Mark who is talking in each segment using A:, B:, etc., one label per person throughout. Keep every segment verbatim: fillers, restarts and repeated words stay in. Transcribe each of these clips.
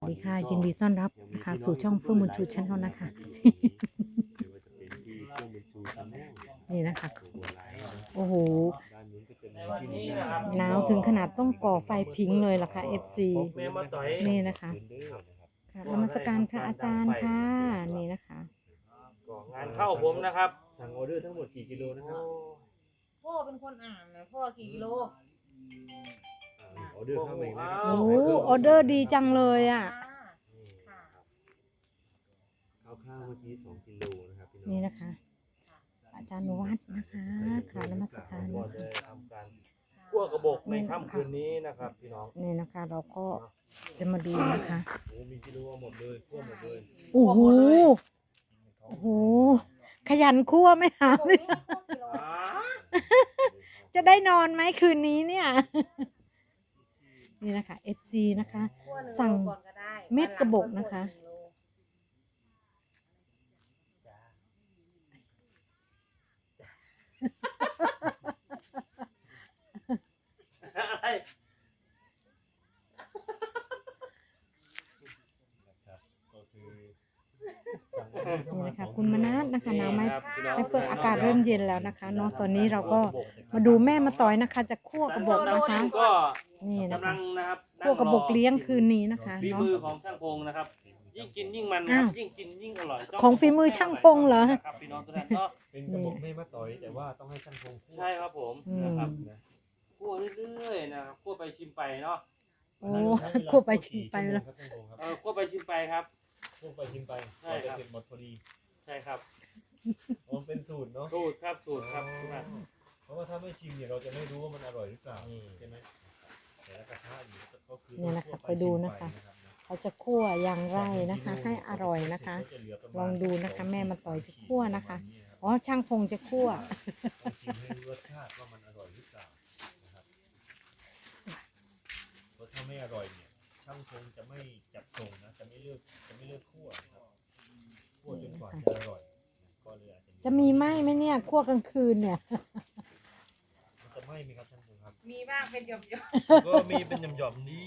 A: ดีค่ะยินดีต้อนรับนะคะสู่ช่องเฟื่องบุญชูชั้นเขานะคะ นี่นะคะโอ้โหหนาวถึงขนาดต้องก่อไฟพิงเลยล่ะค่ะ เอฟ ซี นี่นะคะค่ะนมัสการพระอาจารย์ค่ะนี่นะคะ
B: งานเข้าผมนะครับ
C: สั่งออเดอร์ทั้งหมดกี่กิโลนะครับ
D: พ่อเป็นคนอ่านนะพ่อกี่กิโล
C: อ่าออเดอร์เข้ามาอีกแล้วนะ
A: โอ้โหออเดอร์ดีจังเลยอ่ะ
D: ค่ะ
C: ข้าวข้าวเมื่อกี้สองกิโลนะครับพี่น้อง
A: นี่นะคะ อาจารย์วัดนะคะค่ะนมัสการ
B: ก็
A: นะ
B: จะ
A: คะ
B: ทำการคั่วกระบอกในค่ำคืนนี้นะครับพี่น้อง
A: นี่นะคะเราก็จะมาดูนะคะ
C: โอ้มีกิโลเอาหมดเลยทั่วหมดเลย
A: โอ้โหโอ้โหขยันคั่วไหมคะ จะได้นอนไหมคืนนี้เนี่ย นี่นะคะ เอฟ ซี นะคะ สั่งเม็ดกระบอกนะคะ
B: อะไร
C: นะครับก็คือสั่งออเดอร์เข้า
A: นี่
C: มา
A: นะคะ
C: สอง
A: คุณมนัสนะคะหนาวไหม
B: ครับพี่น้อง
A: ไม่เปิดอากาศเริ่มเย็นแล้วนะคะเนาะตอนนี้เราก็มาดูแม่มาต่อยนะคะ จะคั่วกระบอกนะคะ
B: ก็
A: นี่นะ
B: กำลั
A: คะ
B: งนะครับ
A: คั่วกระบอกเลี้ยงคืนนี้นะคะ
B: ฝี
A: เนาะ
B: มือของช่างพงนะครับ ยิ่งกินยิ่งมันค
A: อ้า
B: รั
A: ว
B: บยิ่งกินยิ่งอร่อย
A: ของฝีมือช่างพงเหรอ
B: ครับพี่น้องทุกท่านก็
C: เป็นกระบอกไม่มาต่อยแต่ว่าต้องให้ช่างพงพูด
B: ใช่ครับผม
A: อืม
B: นะครับ
C: นะ
B: คั่วเรื่อยๆนะครับคั่วไปชิมไปเนาะ
A: โอ้คั่วไปชิมไปแล้ว
C: ครับช่างพงครับ
B: เออคั่วไปชิมไปครับ
C: คั่วไปชิมไป
B: ใช่ครับ
C: จะเสร็จหมดพอดี
B: ใช่ครับ
C: อ๋อมันเป็นสูตรเนาะ
B: สูตรครับสูตรครับทุกท่าน
C: เพราะว่าถ้าไม่ชิมเนี่ยเราจะไม่รู้ว่ามันอร่อยหรือเปล่า
B: อืม
C: ใช่ไหมแต่ละกระทะอยู่ก็คือ
A: เนี่ยนะคะ
C: คั่ว
A: ไปดูนะคะ
C: ชิมไปรับนะ
A: เขาจะคั่วอย่างไรนะคะ ให้อร่อยนะคะ ลองดูนะคะแม่มาต่อยจะคั่วนะคะ อ๋อช่างพงจะคั่ว
C: ต้องชิมให้รู้รสชาติว่ามันอร่อยหรือเปล่านะครับเพราะถ้าไม่อร่อยเนี่ยช่างพงจะไม่จัดส่งนะจะไม่เลือกจะไม่เลือกคั่วนะครับคั่วจนกว่าจะอร่อยนะก็เลยอาจจะ
A: จะมีไหมไหมเนี่ยคั่วกลางคืนเนี่ย
C: มันจะไหม้ไหมครับช่างพงครับ
D: มีบ้างเป็นหยบหยบ
B: ก็มีเป็นหย่อมๆนี่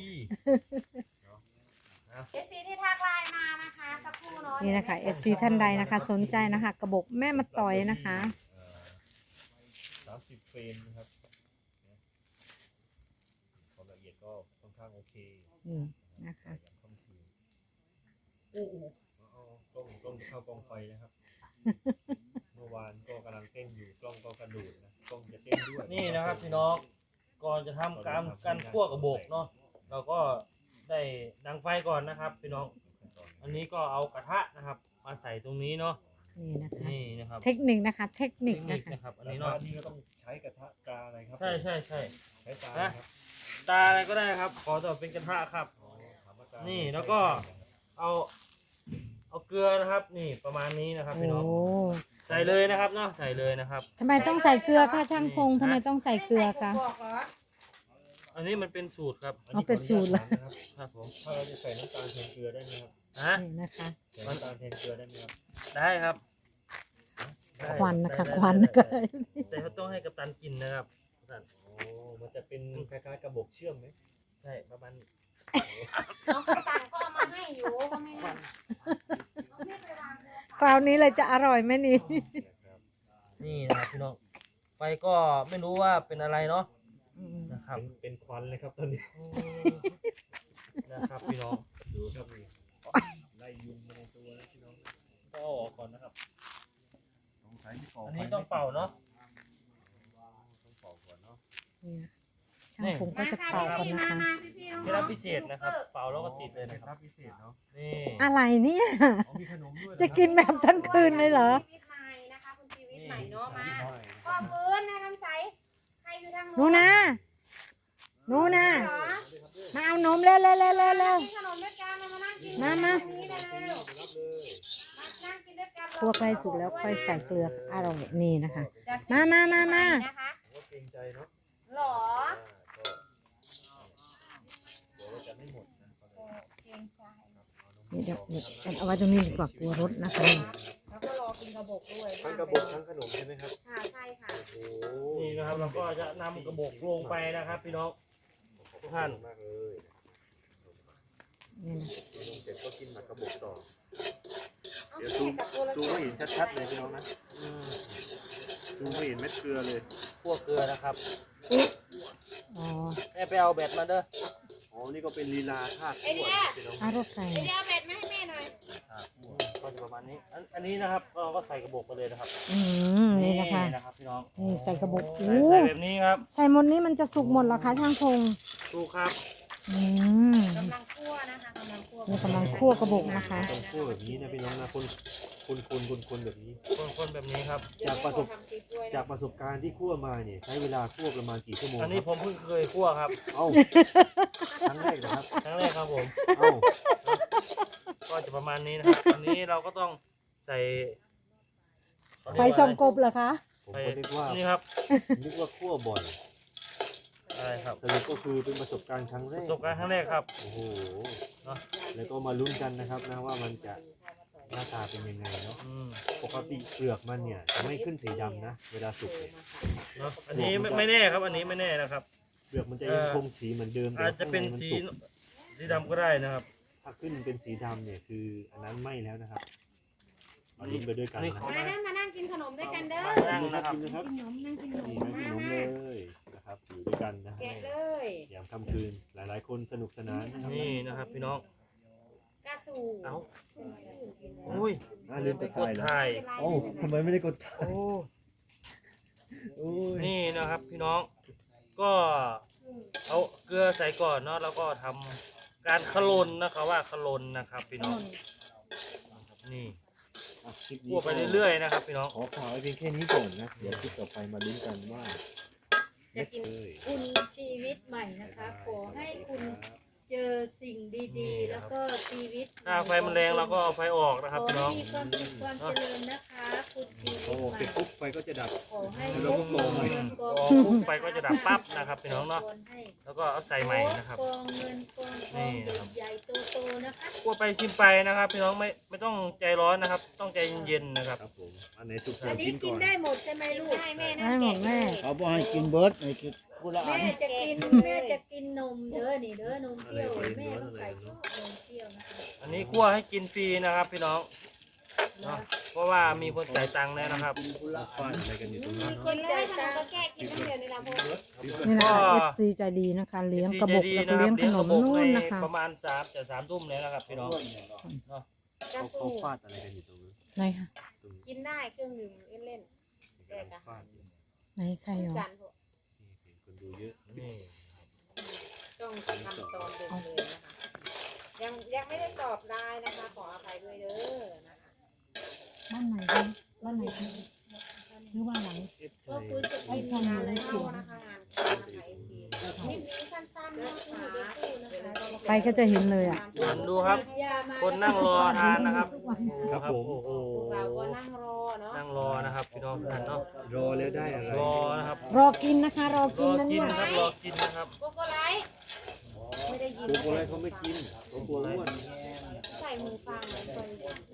D: เอฟซีที่ทักไลน์มานะคะสักครู่เนาะ
A: นี่นะคะ เอฟ ซี ท่านใดนะคะ สนใจนะคะ กระบอกแม่มาต่อยนะคะ
C: สามสิบเฟรมนะครับนะความละเอียดก็ค่อนข้างโอเค
A: นี่นะคะ
C: อย่างค่ำคืนโอ้โหเอากล้องกล้องจะเข้ากล้องไฟนะครับ เมื่อวานก็กำลังเต้นอยู่กล้องก็กระโดดนะกล้องจะเต้นด้วย
B: นี่นะครับพี่น้องก่อนจะทำการการคั่วกระบอกเนาะเราก็ได้ดังไฟก่อนนะครับพี่น้องอันนี้ก็เอากระทะนะครับ มาใส่ตรงนี้เนาะ
A: นี่นะคะ
B: นี่นะครับ
A: เทคนิคนะคะ เทคนิค
B: เทคนิ
A: นะ
B: ค
A: คะ
B: นะครับ อัน
C: อัน
B: นี้
C: นี้
B: เนาะ
C: เนาะนี่ก็ต้องใช้กระทะกาอะไรครับ
B: ใช่ใช่ใช่
C: ใช้ตาอะไรครับ
B: ตาอะไรก็ได้ครับ ขอแต่เป็นกระทะครับ
C: อ๋อถามว่าตา
B: นี่แล้วก็ เอาเอาเกลือนะครับ นี่ประมาณนี้นะครับ
A: โอ้
B: พี่น้องใส่เลยนะครับเนาะใส่เลยนะครับ
A: ทำไมต้องใส่เกลือคะช่างพงทำไมต้องใส่เกลือคะ
D: บอกเหรอ
B: อันนี้มันเป็นสูตรครับ
C: อันนี้
A: เอาเป็นสูตรเหรอ
C: ขออนุญาตถามนะครับ
B: ครับผม
C: ถ้าเราจะใส่น้ำตาลแทนเกลือได้ไหมครับ
B: ฮะ
A: นี่นะคะ
C: ใส่น้ำตาลแทนเกลือได้ไหมครับ
B: ได้ครับได้
A: ควันนะคะ
B: ได้
A: ควันนะคะ
B: แต่เขาต้องให้กัปตันกินนะครับท่าน
C: โอ้มันจะเป็นคล้ายๆกระบอกเชื่อมไหม
B: ใช่ประมาณ
D: น้องตังก็เอามาให้อยู่ก็ไม่นั่นเอาไม่ไปวางเลย
A: คราวนี้เลยจะอร่อยไหมนี่
C: นะครับ
B: นี่นะครับพี่น้องไฟก็ไม่รู้ว่าเป็นอะไรเนาะ
A: อืม
B: นะครับ
C: เป็นเป็นควันเลยครับตอนนี้
B: นะครับพี่น้อง
C: ดูครับนี่ไล่ยุงมาในตัวนะพี่น้องก็เอาออกก่อนนะครับสงสัยที่เป่า
B: อันนี้ต้องเป่าเนาะ
C: ต้องเป่าก่อนเนาะ
A: นี่นะช่างผมก็จะเป่ากันนะคะ
D: มาพี่พี่น้อง
B: เคล็ดลับพิเศษนะครับ เป่าแล้วก็ติดเลยนะค
C: ค
B: รั
C: รั
B: บบ
C: พิเศษเนาะ
B: นี่
A: อะไรเนี่ย
C: อ๋อมีขนมด้วยเหรอ
A: จะกินแบบทั้งคืนเลยเหรอ
D: ชีวิตใหม่นะคะคุณชีวิตใหม่เนาะมาพ่อฟื้นแม่คำใสใครอยู่ทาง
A: หนูนะหนูนะ
D: เหรอ
A: มาเอานมเร็วเร็วเร็วเร็วเร็ว
D: กินขนมด้วยกันมานั่งกิน
A: มามา
D: ตรงนี้เลยเร็วมานั่งกินด้วยกัน
A: คั่วใกล้สุกแล้วค่อยใส่เกลืออร่อยนี่นะคะ
D: จะ
A: มามามามา
D: นะคะ
C: ผมว่าเกรงใจเนาะ
D: หรอ
C: อ่าก็เดี๋ยวเราจะไม่หมดนะ
D: โอ้เกรงใจ
A: นี่เดี๋ยวนี่เอาไว้ตรงนี้ดีกว่ากลัวรถนะคะ
D: แล้วก็รอกินกระบอกด้วย
C: ทั้งกระบอกทั้งขนมใช่ไหมครับ
D: ค่ะใช่ค่ะ
C: โอ้
B: นี่นะครับเราก็จะนำกระบอกลงไปนะครับ พี่น้องทุกท่าน
C: มากเลย
A: นี่นะ
C: ลงซูมไม่เห็นชัดๆเลยพี่น้องนะ
B: อืม
C: ซูมไม่เห็นเม็ดเกลือเลย
B: คั่วเกลือนะครับ
A: อ๋อ
B: แม่ไปเอาแบตมาเด้อ
C: อ๋อนี่ก็เป็นลีลาธาตุ
D: ไอเดีย
C: พี่น้อง
A: อารถไก่
D: ไอเดียเอาเบ็ดมาให้แม่หน่อย
B: ก็จะประมาณนี้อันอันนี้นะครับเราก็ใส่กระบอกไปเลยนะครับ
A: อืมนี่นะคะ
B: นะครับพี่น้อง
A: นี่ใส่กระบอก
B: ใส่
A: โอ้
B: ใส่แบบนี้ครับ
A: ใส่หมดนี้มันจะสุกหมดเหรอคะช่างพง
B: ดูครับ
A: อืม
D: กำลังคั่วนะคะกำลังคั่ว
A: นี่กำลังคั่วกระบอกนะคะ
C: ต้องคั่วแบบนี้นะพี่น้องนะคนคนคนคนคนแบบนี้
B: คนๆแบบนี้ครับ
C: จากประสบจากประสบการณ์ที่คั่วมาเนี่ยใช้เวลาคั่วประมาณกี่ชั่วโมง
B: อันนี้
C: ค
B: ผ
C: รับ
B: มเพิ่งเคยคั่วครับ
C: เอ้าครั้งแรกนะครับ
B: ครั้งแรกครับผม
C: เอ้า
B: ก็จะประมาณนี้นะครับอันนี้เราก็ต้องใส่
A: ไฟส่องกบเหรอคะ
C: ผม
B: ไป
C: ก็นึกว่า
B: นี่ครับ
C: นึกว่าคั่วบ่อย
B: อะไรครับ
C: สรุปก็คือเป็นประสบการณ์ครั้งแร
B: ป
C: ก
B: ระสบการณ์ครั้งแรกครับ
C: โอ้โห
B: เนาะ
C: แล้วก็มาลุ้นกันนะครับนะว่ามันจะหน้าตาเป็นยังไงเนาะ
B: อืม
C: ปกติเปลือกมันเนี่ยจะไม่ขึ้นสีดำนะ เวลาสุกเนี่ย
B: เนาะอันนี้ไม่ไม่แน่ครับ อันนี้ไม่แน่นะครับ
C: เปลือกมันจะยังคงสีเหมือนเดิมแต่
B: อาจจะเป็น
C: ข้างใมั
B: สี
C: สุก
B: สีดำก็ได้นะครับ
C: ถ้าขึ้นเป็นสีดำเนี่ยคืออันนั้นไหม้แล้วนะครับมาลุ้นไปด้วยกัน
B: อันนี้
C: นะ
B: ขอ
D: มานั่งมานั่งกินขนมด้วยกันเด้อ
B: มานั่งนะครับ
C: กินนะครับ
D: กินขนมนั่งกินขนม
C: นี่นั่งกินนมเลยนะครับอยู่ด้วยกันนะฮะ
D: แกะเลย
C: ยามค่ำคืนหลายๆ คนสนุกสนานนะครับ
B: นี่นะครับพี่น้อง
D: กระสู
B: เอ้าอุ้ย
C: อ่าลืมตะ
B: ก
C: ไคร้
B: ด
C: แล้ว
B: ถ่าย
C: โอ้ทำไมไม่ได้กดถ่าย
B: โอ้
C: โอ้ย
B: นี่นะครับพี่น้อง ก็เอาเกลือใส่ก่อนเนาะแล้วก็ทำการขลนนะครับว่าขลนนะครับ พี่น้อง นี่
C: อ่ะคลิป
B: คั่วไปเรื่อยๆนะครับพี่น้อง
C: ขอข่าวไว้เพียงแค่นี้ก่อนนะ เดี๋ยวคลิปต่อไปมาลุ้นกันว่า
E: จะกิน
C: เอ้ย
E: คุณชีวิตใหม่นะคะ ขอให้คุณเจอสิ่งดีๆ แล้วก็ชีวิต
B: ถ้าไฟมันแรงเราก็เอาไฟออกนะครับ
E: ขอ
B: พี่
E: ให้
B: น้อง
E: มีความสุขความเจริญนะคะ คุณชีวิ
C: โอ้
E: ตให
C: เสร็
E: ม่
C: จปุ๊บไฟก็จะดับ
E: ขอให้
C: แล้วก็โฟม
E: เงิน
B: พ
E: ก
B: อ
E: อง
B: ปุ๊บไฟก็จะดับปั๊บนะครับพี่น้องเนาะ
E: ให้
B: แล้วก็เอาใส่ใหม่นะครับ
E: กองเงินกองท
B: นี่
E: อง
B: นะครับ
E: ใหญ่ๆโตๆนะคะ
B: คั่วไปชิมไปนะครับ พี่น้องไม่ไม่ต้องใจร้อนนะครับ ต้องใจเย็นๆนะครับ
C: ครับผม อันไหนสุก
E: อันนี้
C: กิน
E: กิ
C: ก่
E: น
C: อน
E: ได้หมดใช่ไหมลูก
D: ได้แม่นะ
A: ได้หมดแม่
F: เขาบอกให้กินเบิร์ดให้กินคนละอัน
E: แม่จะกินแม่จะกินนมเด้อนี่เด้อนมเปรี้ยวแม่ต้องใส่ชอบนมเปรี้ยวนะคะ
B: อันนี้คั่วให้กินฟรีนะครับ พี่น้องเนาะเพราะว่ามีคนจ่ายตังค์แล้วนะครับ
C: ฟาดอะไรกันอยู่ตรงนั้น
E: ค
D: กิ
E: น
D: นเล
E: จ่าย ย
D: ขน
E: ตั
D: ม
E: ง
D: ก็
E: ค์
D: แก้กินน้ำเดียวในลำโพง
A: นี่นะคะ เอฟ ซี ใจดีนะคะ เลี้ยงกระบอกแล้วก็เลี้ยงขนมนู่นนะคะ
B: ประมาณสามจะสามทุ่มแล้วนะครับ พี่น้องเนาะ
D: กระ
C: เขา
D: สู
C: เขาฟาดอะไรกันอยู่ตรงนั้น
A: ไหนคะ
C: ตรงนี้
D: กินได้เครื่องดื่มเล่น
C: กำลังฟาดอยู่
A: ไหนใคร
D: ๆ
A: เหรอ
D: กันพวก
C: นี่เห็นคนดูเยอะ
B: นี่
D: ต้องทำตอนเด็กเลยนะคะยังยังไม่ได้ตอบได้นะคะ ขออภัยด้วยเด้อนะคะ
A: บ้านไหนกันบ้านไหนกันหรือว่าหลัง
C: เอฟ
E: ก็
C: ชัย
E: คือจะกิน
A: ทำ
E: งาน
A: อะไร
E: แล้ว
A: สิ
D: เข้านะคะงานเข้านะคะเอฟซีคลิปนี้สั้นๆเนาะที่อยู่ในตู้นะคะ
A: ไปก็จะเห็นเลยอ่ะ
B: ดูครับ
E: ยามา
B: คนนั่งรอทานนะครับ
C: ครับผม
B: โอ้โห
D: พวกเราก็นั่งรอเนาะ
B: นั่งรอนะครับพี่น้องทุกท่านเนาะ
C: รอแล้วได้อะไร
B: รอนะครับ
A: รอกินนะคะ รอ
B: ร
A: กิน
B: อ
A: นะ
B: กิ
A: เนี่
B: น
A: ย
B: ครับรอกินนะครับ
D: โกโก้ไลท์ไม่ได้ยิน
C: ตัวโบอะไรเขาไม่กินตัวโบอ้วน
D: ใส่มือฟังเลยคน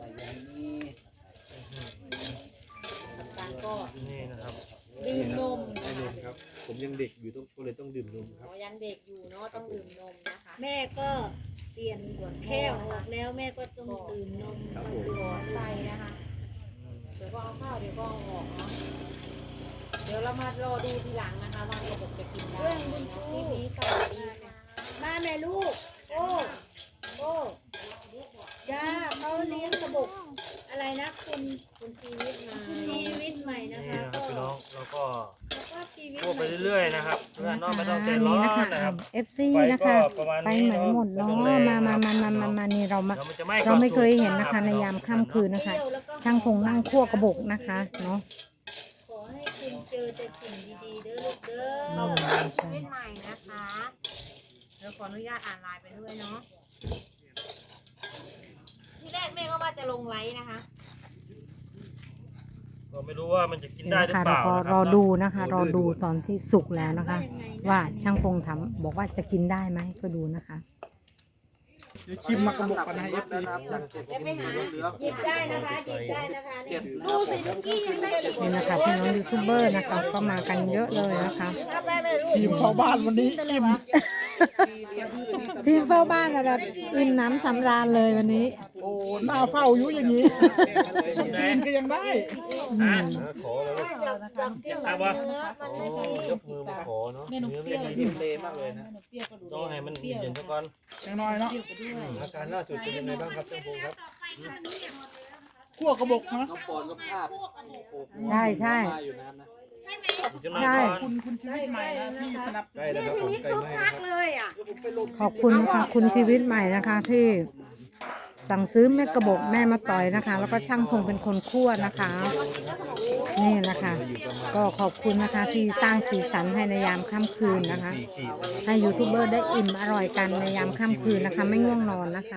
D: การก็
B: นี่นะครับ
D: ดื่มนม
C: ให้
D: นะ
C: น
D: คะ
C: มครับ ผมยังเด็กอยู่ต้องก็เลยต้องดื่มนมครับ
D: อ๋อยังเด็กอยู่เนาะต้องดื่มนมนะคะ
E: แม่ก็เปลี่ยนแค่ออกแล้วแม่ก็ต้องตื่นนม
C: ครับ
D: ต้อง
C: ผม
D: ดูใส่นะคะเดี๋ยวก็เอาเข้าเดี๋ยวก็เอาออกเนาะเดี๋ยวเรามารอดูทีหลังนะคะว่าระบบจะกินได้
E: เรื่องบุญชู
D: คลิปนี้สวัสดีค่ะ
E: มาแม่ลูก โอ้โอ้จ้าเขาเลี้ยงกระบอกอะไรนะ คุณ
D: คุณชีวิตมา
E: ชีวิตใหม่นะ
B: นี่
E: คะ
B: นะครับ
E: ก็
B: พี่น้องแล้วก็
E: แล้วก็ชีวิต
B: คั่ว
E: ให
B: ไป
E: ม่
B: เรื่อยๆนะครับเพื่อน
A: นะ
B: เน้องไม่
A: คะ
B: ต้องใจ
A: อัน
B: ร้อ
A: นี้
B: น
A: นะคะ
B: นะครับ
A: เอฟซี
B: ไฟก็
A: นะคะ
B: ประมาณ
A: ไป
B: นี้
A: ไหนหมดเนาะ
B: ไม่ต้องแรง
A: มามา
B: นะครับ
A: มามามามานี่เรามา
B: เดี๋ยวมันจะไหม้
A: เราไม่เคย
B: ก่อ
A: เห็น
B: สุก
A: นะคะ ในยามค่ำคืนนะคะ
E: เปรี้ยวแล้วก็
A: ช่างพงนั่งคั่วกระบอกนะคะเนาะ
E: ขอให้คุณเจอแต่สิ่งดีๆเด้อลูกเด้
D: เรา
E: อ
D: เป็นชีวิตใหม่นะคะเดี๋ยวขออนุญาตอ่านไลน์ไปด้วยเนาะที่แรกแม่ก็ว่าจะลงไลน์นะคะ
B: ก็ไม่รู้ว่ามันจะกิน
A: นี่
B: ได้
A: นะ
B: หรือ
A: คะ
B: เป
A: เรา
B: ล่า
A: ก็
B: นะค
A: ร
B: รั
A: อบ ดูนะคะ รอดูตอนที่สุกแล้วนะคะ
E: ยังไงนะ
A: ว่าช่างพงถามบอกว่าจะกินได้ไหมก็ดูนะคะ
F: ชิมมากระบอกกันให้เอฟซี
D: เดี๋ยวไปหา
E: หยิบได้นะคะหยิบได้นะคะนี่
D: ดูสิเมื่อกี้ยังไม่ได้หยิบ
A: นี่นะคะพี่น้องยูทูบเบอร์นะคะก็มากันเยอะเลยนะคะ
F: ทีมเข้าบ้านวันนี้อิ่ม
A: ทีมเฝ้าบ้านอะแบบอิ่มหน้ำสำราญเลยวันนี้
F: โอ้หน้าเฝ้าอยู่อย่างนี้กินก็ยังได้
B: อ่ะ
C: ขอแล้ว
E: จับกิน
B: ครับ
E: เนื้
B: ว่า
E: อมันไม่ดี
C: ยกมือมาขอเนาะเนื้อไม่ดี
F: กินเลมากเลยนะ
B: ต้องให้มันเย็นซะก่อน
F: ยังน้อยเนาะ
C: อาการล่าสุดเป็นยังไงบ้างครับท่านพงศ์ครับ
F: ขั้วกระบอกนะ
G: น้องปอนก็ภาพ
A: ใช่ใช่
G: มาอยู่นะครับนะ
B: จะนอน
A: ใช่
B: ก่อน
F: คุณคุณชีวิตใหม่นะที่สนับส
C: ใกล้
F: นุน
C: แล้วครับผมใกล้ไหมนะครับ
E: เลยอ่ะ
A: ขอบคุณนะคะคุณชีวิตใหม่นะคะที่สั่งซื้อแม่กระบอกแม่มาต่อยนะคะ แล้วก็ช่างพงเป็นคนคั่วนะคะ นี่นะคะ ก็ขอบคุณนะคะที่สร้างสีสันให้ในยามค่ำคืนนะคะ ให้ยูทูบเบอร์ได้อิ่มอร่อยกันในยามค่ำคืนนะคะ ไม่ง่วงนอนนะคะ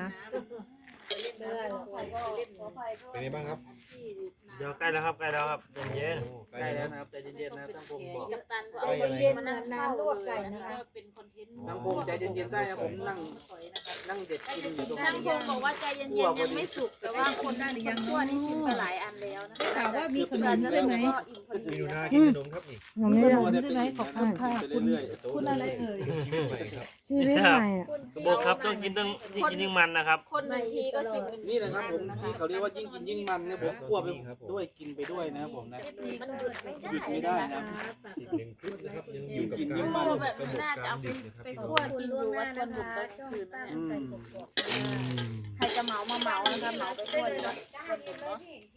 C: เป็นยังไงบ้างครับ
B: เดี๋ยวใกล้แล้วครับใกล้แล้วครับเย็น
C: โอ้ใกล้
G: ใกล้
C: แล้
G: แล้ว วนะครับใจเย็นๆนะครับตั้งพงบอก
D: กัปตันก็
E: ใจ
D: เอา
E: เย็นๆเหมือนน้ำลวกไก่นะคะ
D: เป็นคอนเทนต์
G: ตั้งพงใจเย็นๆได้นะผมนั่งนั่งเด็ดกินอยู่ตรง
D: ช่าง
G: นี้
D: พงบอกว่าใจเย็นๆยังไม่สุกแต่ว่าคนได้หรือยังคั่วนี่ชิมไปหลายอันแล้วนะคะถามว่ามีขนมใช่ไหมก็อิ่มพอ
C: มี
D: ดี
C: อยู่หน้ากินขนมครับนี่
A: ยังไม่ได้
G: ได้ไหมขอบคุณค่ะไปเรื่อย
C: คุณอะไรเอ่ยใหม่ครับ
A: ชีวิตใหม่อะ
B: กระบอกครับต้องกินต้องยิ่งกินยิ่งมันนะครับ
D: คนหนึ่งทีก็สิบ
G: ๆนี่นะครับผมที่เขาเรียกว่ายิ่งกินยิ่งมันนะผมคั่วไปด้วยกินไปด้วยนะครับผมนะ
D: มันหยุดไม่ได้
G: หยุดไม่ได้นะ
C: อีกหนึ่งคลิปนะครับยังอยู่กับ
G: ยิ่งกินยิ่
C: การ
G: งมัน
D: แบบนี้น่าจะเอาไปไปคั่วกินอยู่วัดคนบุกตอนคืนนั่น
G: อื
D: แหละ
G: ม
D: ใครจะเหมามาเหมานะคะเหมาไปคั่วอยู่วัดคนบุกเนาะ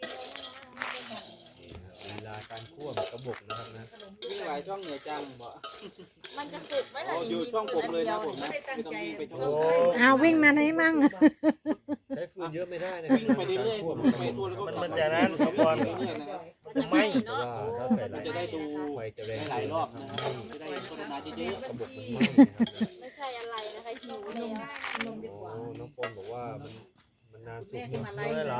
C: ลีลาการคั่วกระบอกนะครับนะ
G: ยิ่งหลายช่องเหนือจังบอก
D: มันจะสุกไหม
G: อ๋
D: ล่ะ
G: ออยู่ช่องผมเลยนะผมนะไม่ต้องวิ่งไปช่อง
C: โอ้
G: อื่น
A: เอาวิ่งมาไหนมั่ง
C: ใช้ฟืนเยอะไม่ได้นะ
G: วิ่งไปเรื่อยๆวิ่งไปตัวแล้วก็
B: มัน
G: กลับ
B: มันจะนั้นขบวน
G: เรื่อยๆนะครับ
B: ไม่
C: เพราะว่าถ้าใส่หลาย
G: จะได้ดู
C: ไฟจะแรง
G: หลายรอบนะครับจะได้โฆษณาเยอะ
C: กระบอกมันไหม้นะครับ
D: ไม่ใช่อะไรนะคะหิวเลยอะ
C: โอ้น้องปอนบอกว่ามันมันนานสุด
B: ไม่เหรอ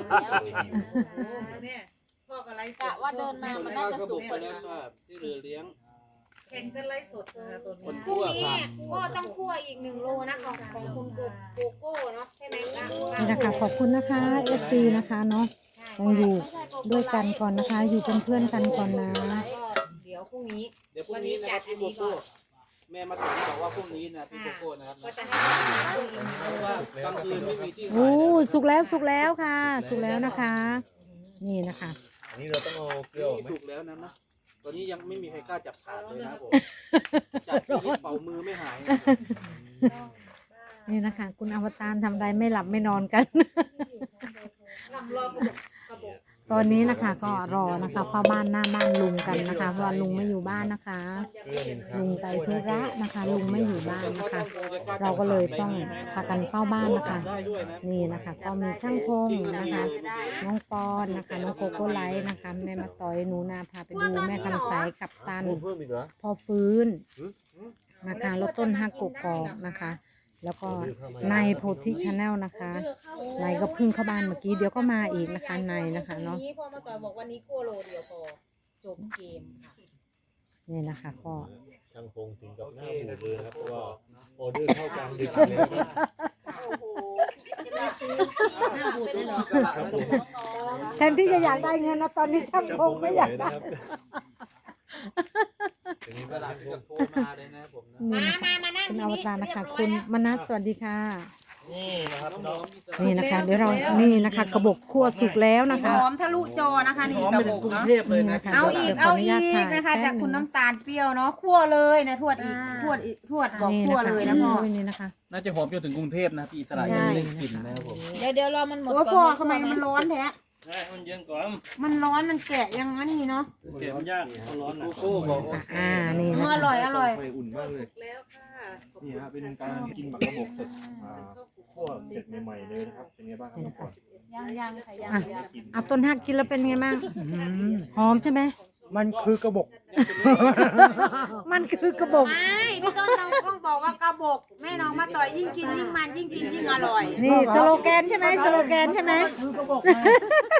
D: พ่อกับไรกะว่าเดินมา
G: ๆ
D: มันน่าจะสุกกว่านี้
G: ครับที่เรือเลี้ยง
D: แข่งกันไรสดนะคะตัว
G: คน
E: พรุ่
G: คั่
E: ง
G: ว
E: นี้
G: ครับ
E: ก็ต้องคั่วอีกหนึ่งโลนะของของคุณโกโกโก้เนาะใช่ไหมคะ
A: นี่นะคะขอบคุณนะคะเอฟซีนะคะเนาะต้องอยู่ด้วยกันก่อนนะคะ อยู่เป็นเพื่อนกันก่อนนะ
E: ก็เดี๋ยวพรุ่งนี้
G: เดี๋ยวพรุ่งนี้นะครับพี่โกโก้แม่มาถามบอกว่าพรุ่งนี้นะพี่โกโก้นะครับ
E: ก็จะให้คั่วอีกหนึ่ง
G: เพราะว่ากลางคืนไม่มีที่
A: โอ้
G: ขายนะ
A: สุกแล้วสุกแล้วค่ะ สุกแล้วนะคะ นี่นะคะ
C: อันนี้เราต้องเอาเกลือออกไหม
G: ถูกแล้วนะนะตอนนี้ยังไม่มีใครกล้าจับขาดเลยนะครับผมจับที่เป่ามือไม่หายนะ
A: นี่นะคะ คุณอวตารทำไรไม่หลับไม่นอนกัน
E: ลำรอบกระบอกกระบอก
A: ตอนนี้นะคะก็รอนะคะเฝ้าบ้านหน้าบ้านลุงกันนะคะเพราะว่าลุงไม่อยู่บ้านนะคะ
C: เกลือหนึ่งครั้
A: ลุ
C: ง
A: งไปธุระนะคะ ลุงไม่อยู่บ้านนะคะ เราก็เลยต้องพากันเฝ้าบ้านนะคะ
G: ได้ด้วยนะ
A: นี่นะคะ ก็มีช่างพงนะคะ น้องปอนนะคะ น้องโกโก้ไลท์นะคะ แม่มาต่อยหนูนาพาไปดูแม่คำใสกับตัน
C: โอ้เพิ่มอีกเหรอ
A: พอฟื้นนะคะ แล้วต้นฮักกกอกนะคะ แล้วก็ในโพธิชาแนลนะคะในก็เพึ่งเข้าบ้านเมื่อกี้เดี๋ยวก็มาอีกนะคะในนะคะเนาะ
E: นี้พ่อมาต่อยบอกวันนี้คั่วโลเดียวพอจบเกมค่ะ
A: นี่นะคะก็
C: ช่างพงถึงกับหน้าบูดเลยนะครับเพราะว่าออเดอร์เข้ากลางดึกเลยนะครับ
E: หน้าบูดเลยเหรอ
C: ครับผม
A: แทนที่จะอยากได้เงินนะตอนนี้ช่างพงไม่อยากได้
C: ถึงนี้
G: ก
C: ก็
G: ระดา
C: รั
G: ษ
C: บ
G: ถึงกับโทรมาเลยนะผมนะ
A: นี่
E: มา
A: นะคะ
E: มามานั่ง
A: คุณ
E: ที่
A: อว
E: นี่
A: ตารนะคะ
E: เรียบร้อย
A: คุณ
E: แล้ว
A: มนัสสวัสดีค่ะ
B: นี่นะครับ
G: น้
B: น้อ
G: อง งๆ
A: นี่นะคะ เดี๋ยวเรานี่นะคะ กระบอกคั่วสุกแล้วนะคะ
E: หอมทะลุจอนะคะนี่
G: หอม
E: ก
G: ไประ
E: บ
G: ถึง
E: อก
G: กรุง
E: เนาะ
G: เทพเลย
A: นี่
G: นะ
A: นะคะ
E: เอา
A: ดี๋
E: อี
A: ยว
E: ก
A: ข
E: เอา
A: นุญ
E: อี
A: ต
E: ก
A: ถ่ย
E: นะคะ
A: แป๊
E: จาก
A: บห
E: คุณ
A: ง
E: น้ำตาลเปรี้ยวเนาะคั่วเลยนะทวดอีกทวดอีกทวดบอก
A: นี่
E: คั่ว
A: นะคะ
E: เลยนะพ่อ
A: โอ้ยนี่นะคะ
G: น่าจะหอมจนถึงกรุงเทพนะพี่อิสระยังไม่ได้กลิ่นนะครับผม
E: เดี๋ยวเดี๋ยวรอมันหมด
D: โอ้ย
E: ก่
D: พ่อ
E: อน
D: ทำไมมันร้อนแท้
B: ให้มันเย็นก่อน
D: มันร้อนมันแกะยังงั้นนี่เนาะ
B: เก็บมันยากเอาร้อนนะ
G: โกโก้บอกว่า
A: อ่านี่
D: เอ
A: นะ
D: ออ
A: คะ
D: ร่อยอร่อย
C: ไฟอุ่นมากเลยนี่ฮะเป็นการกินหมักกระบอกสดอ่าคั่วเสร็จใหม่ๆเลยนะครับเป็นไงบ้างครับน้องปอน
D: ยังยังค่ะยัง
A: อ่ะ
D: ยัง
A: เอาต้นฮักกินแล้วเป็นไงบ้างหอมใช่ไหม
F: มันคือกระบอก
A: มันคือกระบอก
E: ไม่พี่ต้นต้องต้องบอกว่ากระบอกแม่น้องมาต่อยยิ่งกินยิ่งมันยิ่งกินยิ่งอร่อย
A: นี่สโลแกนใช่ไหมสโลแกนใช่ไหม
F: คือกระบอก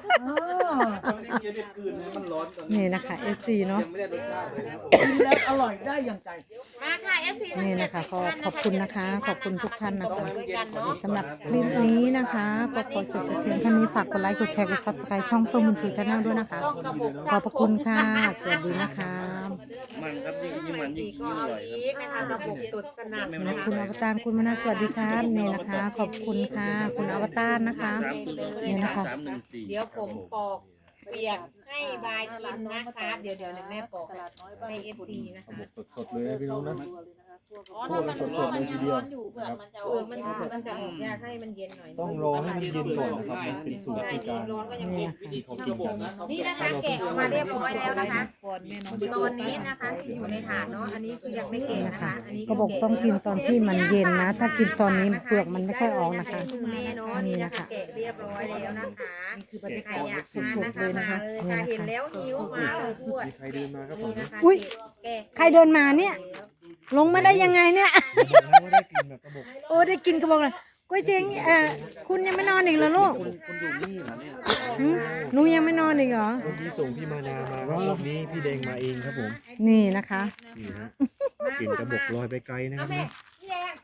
G: ต้องรีบกินรีบคืนนะมันร้อนตอนนี้
A: นี่นะคะ เอฟ ซี เนาะ
G: ยังไม่ได้รสชาติเลยนะครับผม
F: กินแล้วอร่อยได้อย่างใจ
E: มาค่ะ เอฟ ซี
A: นี่นะคะก็ขอบคุณนะคะ ขอบคุณทุกท่านนะคะ
E: ด้วยกันเนาะ
A: สำหรับคลิปนี้นะคะก็ขอจบแต่เพียงเท่านี้ฝากกดไลค์กดแชร์กด ซับสไครบ์ ช่องเฟิร์มบุญชูชาแนลด้วยนะคะ
E: ต้องกระบอก
A: ขอบพระคุณค่ะ สวัสดีนะคะ
B: มันครับยิ่งยิ่งมันยิ่ง
E: ก็
B: ยิ่งอ
E: เอา
B: ร่อยครับ
E: อีกนะคะกระบอกตุดสนั่น
A: นะ
E: นะคะ
A: คุณอวตารคุณมนัสสวัสดีครับนี่นะคะ ขอบคุณค่ะ คุณอวตารนะคะ
B: สามศูนย์
A: นี่นะคะ
B: สามหนึ่งสี่
E: เดี๋ยวผมปอกเปียกให้บายกินนะคะเดี๋ยวเดี๋ยวเดี๋ยวแม่ปอกให้เอฟซีนะคะ
H: สดๆเลยนะพี่น้องนะ
E: อ๋อถ้ามัน
H: สดๆเลยทีเดียว
E: อยู่เปลือกมันจะเออมันมันจะออกยากให้มันเย็นหน่อย
H: ต้องรอให้มันเย็นก่อนนะครับมันเป็นสูตร
E: ใช่
H: ใน
E: เย็
H: กาน ร
E: ร้อนก็ยัง
A: นี่
E: เย็น
A: ค่ะ
G: วิธีกินกระบอกนะ
E: นี่นะคะแกะออกมาเรียบร้อยแล้วนะคะตอนนี้นะคะที่อยู่ในถาดเนาะอันนี้คือยังไม่แกะ
A: นี่
E: นะ
A: นะคะ
E: คะอันนี้
A: ก็บอกต้องกินตอนที่มันเย็นนะ ถ้ากินตอนนี้เปลือกมันไม่ค่อยออกนะคะ
E: มือแม่เนาะนี่นะคะแกะเรียบร้อยแล้วนะคะนี่คือบรรยากาศอยากทาน
A: สดๆเลยนะคะ
E: มาเลยค่ะเห็นแล้วหิวมาเลยพูด
H: มีใครเดินมาครับผม
E: นี่นะคะ
A: อุ๊ย
E: แกะ
A: ใครเดินมาเนี่ย ลงมาได้ยังไงเนี่ย
H: ไม่ได้กินแบบกระบอก
A: โอ้ได้กินกระบอกเลยก๋วยเจ๋งเอ่อคุณยังไม่นอนอีกเหรอลูก
H: คนคนอยู่นี่เหรอเนี่ย
A: หึหนูยังไม่นอนอีกเหรอ
H: เมื่อกี้ส่งพี่มานามาครับรอบนี้พี่แดงมาเองครับผม
A: นี่นะคะ
H: นี่ฮะกลิ่นกระบอกลอยไปไกลนะครับ
E: แม่
H: นะ
E: พี่แดง